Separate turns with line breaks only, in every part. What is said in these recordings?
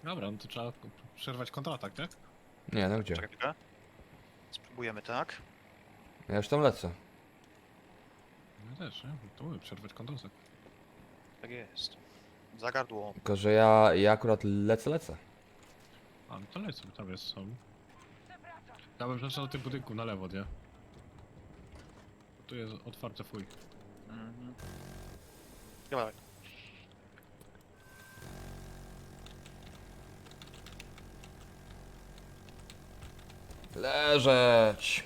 Dobra, no to trzeba przerwać kontratak, tak?
Nie, no gdzie?
Czekaj chwilkę. Spróbujemy tak.
Ja już tam lecę.
Ja też, nie? To mówię, przerwać kontratak.
Tak jest. Za gardło.
Tylko, że ja akurat lecę.
A, no to lecą, tam jest, są. Ja bym przeszedł do tych budynków na lewo, nie? Tu jest otwarte fuj.
Mhm. Dawaj.
Leżeć!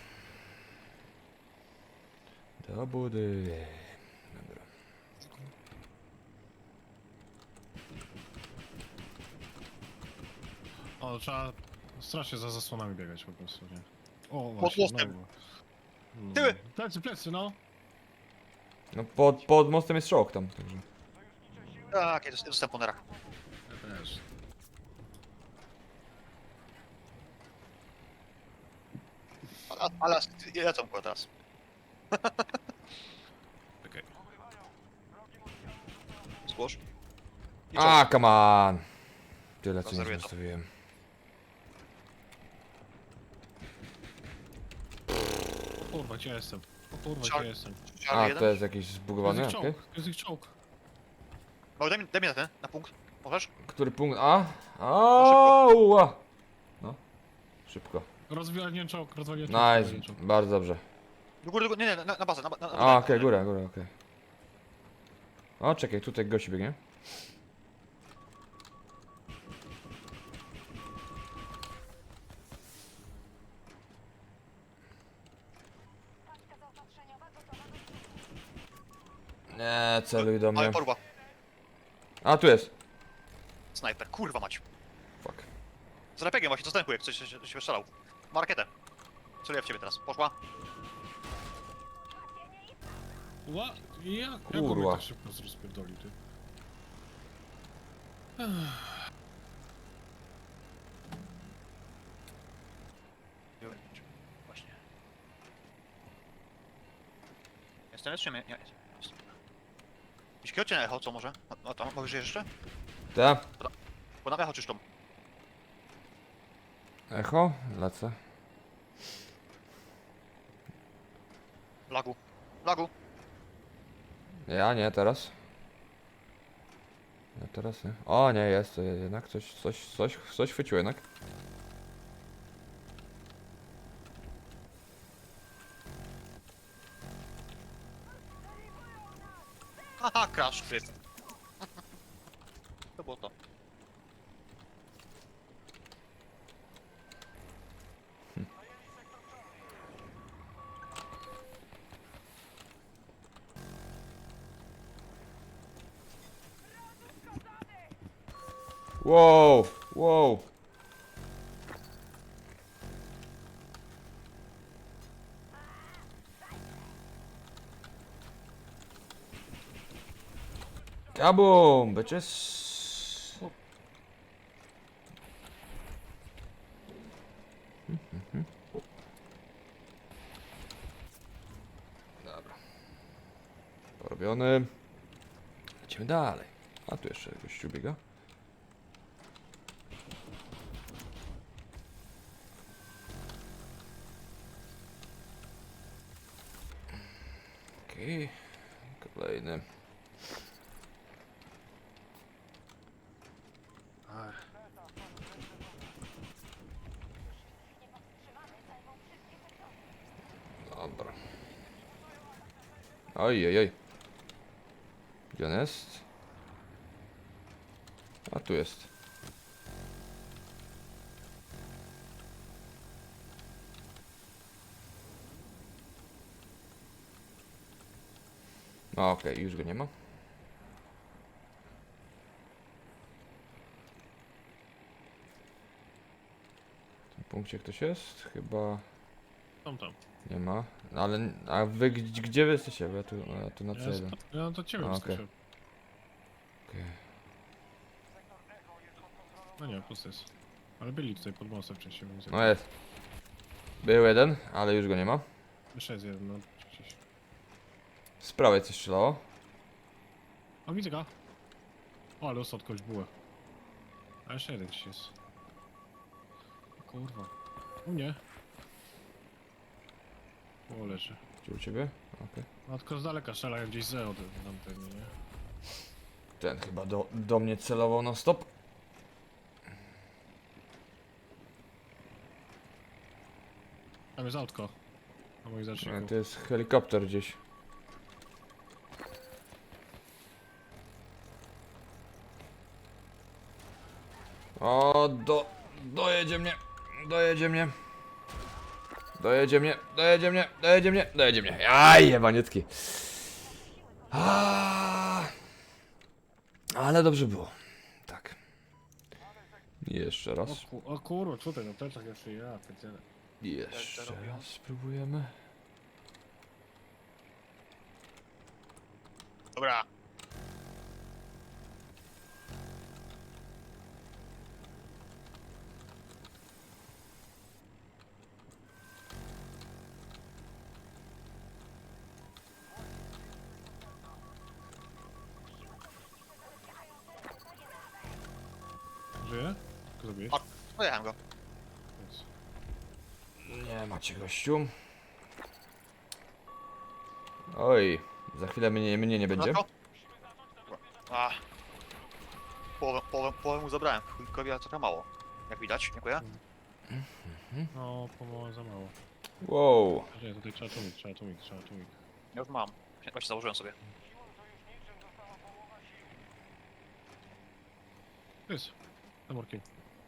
Do budy. Dobra.
O, trzeba strasznie za zasłonami biegać po prostu, nie? O,
Pod
właśnie,
mostem.
znowu.
Tyły!
Plecy, no!
No pod mostem jest szok tam, także.
Tak, jest dostęp po nerach.
Ja też.
Ale lecą go teraz.
Okej.
Zgłosz. I
A, come on! Tyle co nie
Konserwuję to.
zostawiłem.
O kurwa, gdzie ja jestem? O kurwa,
Czar-
gdzie ja jestem?
Charlie
A,
jeden.
to jest jakiś
To
zbugowany?
jest ich
Okej.
czołg, to jest ich czołg.
O, daj mi na ten, na punkt. Możesz?
Który punkt? A? Ała! No. Szybko.
Rozwaliłem czołg, rozwaliłem
Nice,
czołg.
bardzo dobrze.
Do góry, nie, na bazę, na
A, okej, góra, okej. O, czekaj, tutaj gości biegnie. Nie, celuj do
Ale
mnie.
porwa.
A, tu jest.
Snajper, kurwa mać.
Fuck.
Z RPG właśnie, co jak coś się wystrzelał. Ma rakietę. Celuję w ciebie teraz. Poszła.
Ła? Jak
Kurwa.
go mnie tak szybko rozpierdolił, ty?
Właśnie. Jestem jeszcze? Nie, jest. Jeśli kierocie na echo, co może? No to, mówisz jeszcze?
Ta?
Bo na echo czyszczą.
Echo? Lecę.
Lagu. Lagu.
Ja nie, teraz. Ja teraz nie. O, nie, jest to jednak. Coś chwyciło jednak.
Haha, crash, kryt. To było to.
Wow, wow. Kaboom, bitches. Dobra. Porobiony. Lecimy dalej. A tu jeszcze gościu biega. Okej. Kolejny. Dobra. Oj, oj, oj. Gdzie on jest? A tu jest. No, okej, już go nie ma. W tym punkcie ktoś jest? Chyba
Tam.
nie ma. No, ale, a wy gdzie wy jesteście? Bo ja tu na
Ja,
C1.
ja to ciebie
A,
wyskoczyłem.
Okej.
No nie, pusty jest. Ale byli tutaj pod mostem wcześniej, więc...
No jest. Był jeden, ale już go nie ma.
Jeszcze jest jeden, no gdzieś.
Z prawej coś strzelało.
O, widzę go. O, ale dostał od kogoś bułę. A jeszcze jeden gdzieś jest. O kurwa. U mnie. O, leży.
Gdzie u ciebie? Okej.
No tylko z daleka strzelają gdzieś z od tam pewnie, nie?
Ten chyba do mnie celował na stop.
Tam jest autko. Na moich
Nie,
zaczniku.
to jest helikopter gdzieś. O, dojedzie mnie. Dojedzie mnie. Dojedzie mnie, dojedzie mnie, dojedzie mnie, dojedzie mnie. Aj, jebaniecki. Ale dobrze było. Tak. Jeszcze raz.
O kurwa, tutaj no plecach jeszcze ja, pierdzielę.
Jeszcze raz spróbujemy.
Dobra.
Żyje? Co zrobiłeś?
A. Pojechałem go.
Jest.
Nie macie gościu. Oj, za chwilę mnie nie będzie.
Dobra. A. Połowę mu zabrałem. Chujkowi, a trochę mało. Jak widać, dziękuję.
No, pomału za mało.
Wow.
Nie, tutaj trzeba tłumik, trzeba tłumik, trzeba tłumik.
Ja już mam. Właśnie założyłem sobie.
Jest. Za murkiem.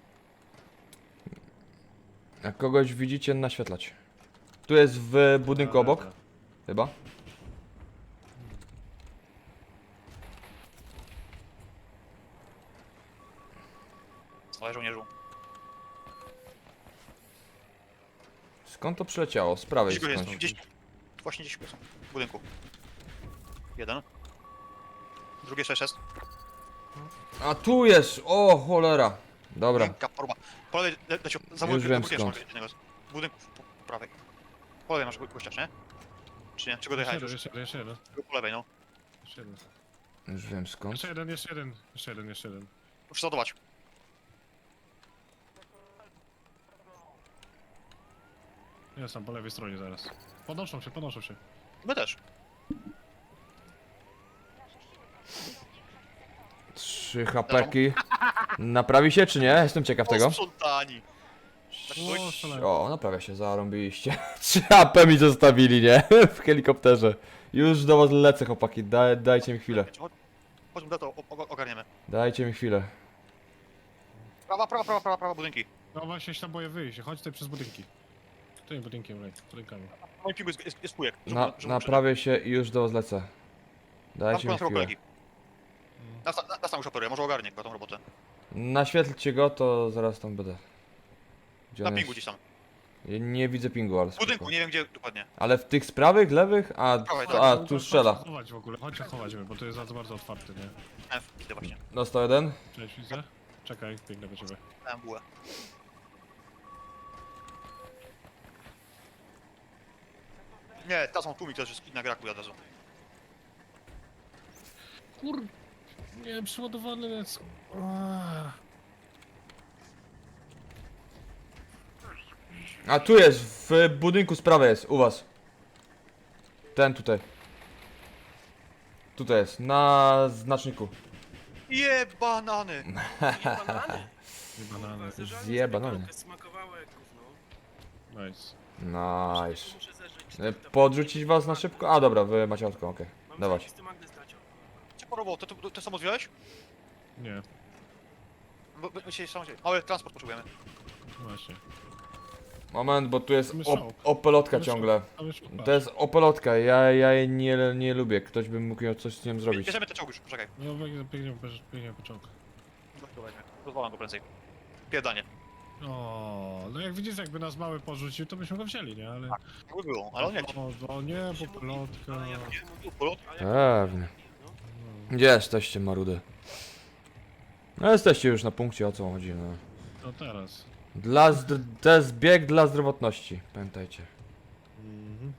Jak kogoś widzicie, naświetlać. Tu jest w budynku obok, chyba.
Słuchaj, żołnierzu.
Skąd to przyleciało? Z prawej
Gdzieś go jest,
skądś.
gdzieś. Właśnie gdzieś są. W budynku. Jeden. Drugi jeszcze jest.
A tu jest! O cholera! Dobra.
Miękka forma. Po lewej leciał. Za
Już wiem
budynkiem
skąd.
masz jednego. W budynku po prawej. Po lewej masz gościa, czy nie? Czy nie? Czy go
Jeszcze
dojechałeś
jeden,
już?
jeszcze jeden, jeszcze jeden.
Po lewej, no.
Jeszcze jeden.
Już wiem skąd.
Jeszcze jeden, jeszcze jeden. Jeszcze jeden, jeszcze jeden.
Muszę załadować.
Jest tam po lewej stronie zaraz. Podnoszą się, podnoszą się.
My też.
3 hapeki. Naprawi się czy nie? Jestem ciekaw tego.
Sprzątani.
O, strzelają.
O, naprawia się, zarąbiliście. 3 HP mi zostawili, nie? W helikopterze. Już do was lecę, chłopaki. Dajcie mi chwilę.
Chodźmy, to ogarniemy.
Dajcie mi chwilę.
Prawa budynki.
No właśnie się tam boję wyjść. Chodź tutaj przez budynki. Tutaj budynkiem, lej, budynkami.
W moim pingu jest pójek.
Naprawię się i już do was lecę. Dajcie mi chwilę.
kolegi. Nas tam już operuje, może ogarnie go tą robotę.
Naświetlcie go, to zaraz tam będę. Gdzie
Na
on
pingu
jest?
gdzieś tam.
Ja nie widzę pingu, ale
W budynku,
spoko.
nie wiem gdzie dokładnie.
Ale w tych z prawych, lewych?
Prawej,
A
tak.
tu strzela.
Chodź chować w ogóle, chodź się chować, bo to jest za bardzo otwarty, nie?
Widzę właśnie.
Dostał jeden.
Cześć, widzę. Czekaj, biegnę do ciebie.
Dałem bułę. Nie, ta są tłumik, to jest inna gra, od razu.
Kur... Nie, przeładowany jest.
A tu jest, w budynku z prawej jest, u was. Ten tutaj. Tutaj jest, na znaczniku.
Banany!
Banany?
Nie banany.
Zje banany.
Smakowało jak gówno.
Nice.
Nice.
Muszę zeżreć.
Podrzucić was na szybko? A dobra, wy macie autko, okej.
Mam
Dawać.
zajebisty magnes dać.
Cię porował, to samo zwiałeś?
Nie,
Bo my się samo mały transport potrzebujemy.
właśnie.
Moment, bo tu jest
Tam jest czołg.
opelotka
Tam jest
ciągle.
Tam już
To jest opelotka, ja jej nie lubię. Ktoś by mógł coś z nią zrobić.
Bierzemy te czołgi już, poczekaj.
No, biegniemy po czołg.
Rozwalam go prędzej. Pierdanie.
O, no jak widzisz, jakby nas mały porzucił, to byśmy go wzięli, nie? Ale...
Jakby było, ale on nie chciał.
O nie, bo pilotka.
Ale ja bym się
Tu,
mówił.
polot.
Pewnie. Gdzie jesteście, marudy? No jesteście już na punkcie, o co chodzi, no.
No teraz.
To jest bieg dla zdrowotności, pamiętajcie.
Mhm.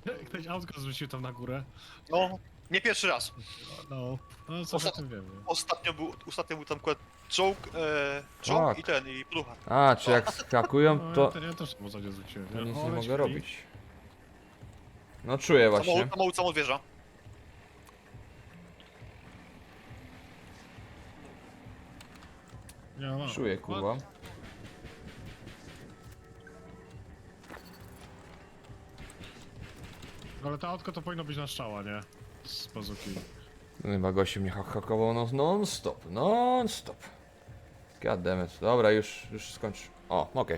Ktoś autko zrzucił tam na górę.
No, nie pierwszy raz.
No coś o tym wiem, nie?
Ostatnio był tam akurat czołg, czołg
Tak.
i plucha.
A, czy jak skakują,
No,
to,
ja też w zasadzie zwróciłem.
to nic
O,
nie
ale
mogę
śpi.
robić. No czuję właśnie.
Samochód wjeżdża.
Nie, mam.
Czuję, kurwa.
Ale to autko to powinno być na strzała, nie? Z bazuki.
No chyba gościu mnie hakował non-stop, non-stop. Goddammit. Dobra, już skończ. O, okej.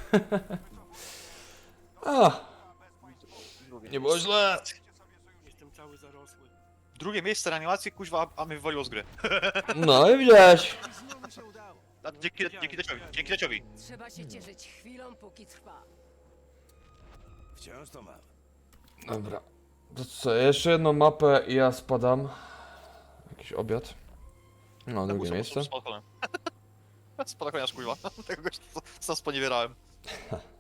A, nie było źle.
Jestem cały zarosły.
Drugie miejsce reanimacji, kuźwa, a mnie wywaliło z gry.
No i widziałeś.
A dzięki Deciowi.
Trzeba się cieszyć chwilą, póki trwa.
Wciąż to mam.
Dobra. To co, jeszcze jedną mapę i ja spadam. Jakiś obiad. No, drugie miejsce.
Spadochroniarz, kuźwa. Tego gościa co sponiewierałem.